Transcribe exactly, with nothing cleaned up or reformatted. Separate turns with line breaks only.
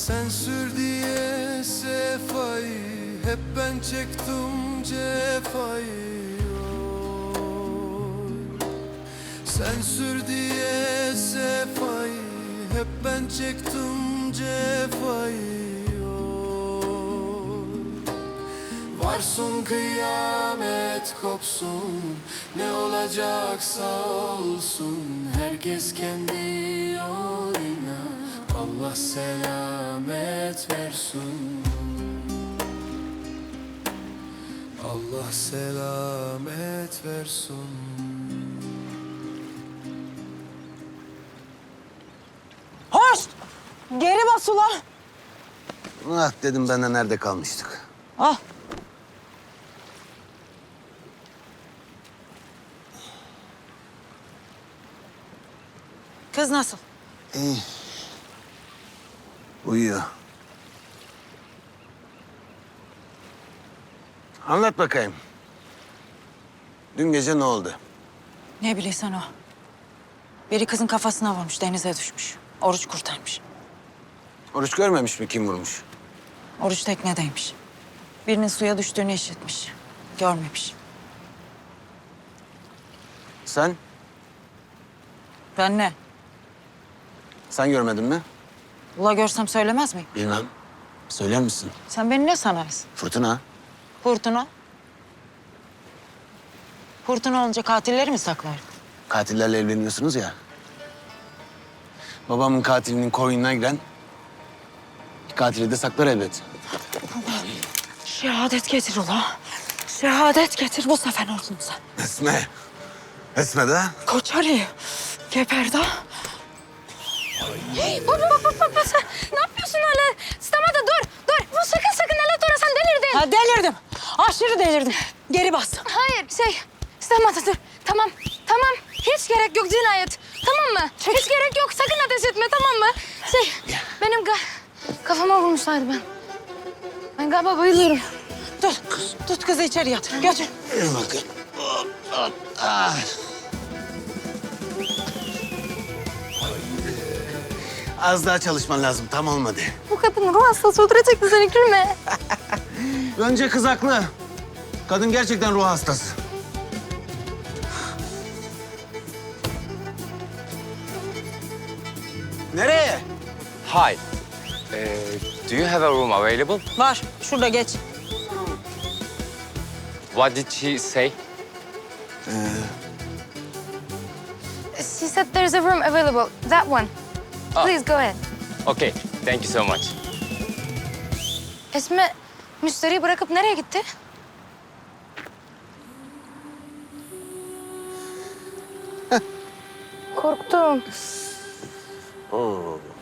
Sen sür diye sefayı, hep ben çektim cefayı. Oy. Sen sür diye sefayı, hep ben çektim cefayı. Oy. Varsın kıyamet kopsun, ne olacaksa olsun, herkes kendi yoluna. Allah selamet versin. Allah selamet versin.
Hoş! Geri bas ulan.
Ah dedim ben de nerede kalmıştık.
Al. Kız nasıl?
İyi. Uyuyor. Anlat bakayım. Dün gece ne oldu?
Ne bileysen o. Biri kızın kafasına vurmuş, denize düşmüş. Oruç kurtarmış.
Oruç görmemiş mi kim vurmuş?
Oruç teknedeymiş. Birinin suya düştüğünü işitmiş. Görmemiş.
Sen?
Ben ne?
Sen görmedin mi?
Ula görsem söylemez miyim?
Bilmem. Söyler misin?
Sen beni ne sanarsın?
Fırtına.
Fırtına? Fırtına olunca katilleri mi saklar?
Katillerle evleniyorsunuz ya. Babamın katilinin koynuna giren katili de saklar elbet.
Şehadet getir ula. Şehadet getir, bu sefer olsun sen.
Esme. Esme de.
Koç Ali, geber da.
Hey, baba baba baba sen ne yapıyorsun öyle? Stamata dur dur. Bu sakın sakın el ora sen delirdin.
Ha delirdim. Aşırı delirdim. Geri bas.
Hayır şey Stamata dur. Tamam tamam hiç gerek yok cinayet. Tamam mı? Hiç gerek yok sakın ateş etme tamam mı? Şey benim ga kafama vurmuşlardı ben. Ben galiba bayılıyorum.
Tut, tut kızı içeri yatır. Götür.
Yürü bakın. Hop, hop, ah. Az daha çalışman lazım. Tam olmadı.
Bu kadın ruh hastası öldürecekti seni gülme.
Önce kız haklı. Kadın gerçekten ruh hastası. Nereye?
Hi. Uh, do you have a room available?
Var, şurada geç.
What did she say?
She said there's a room available. That one. Please go ahead.
Okay, thank you so much.
Esme müşteriyi bırakıp nereye gitti? Korktum.
Oo.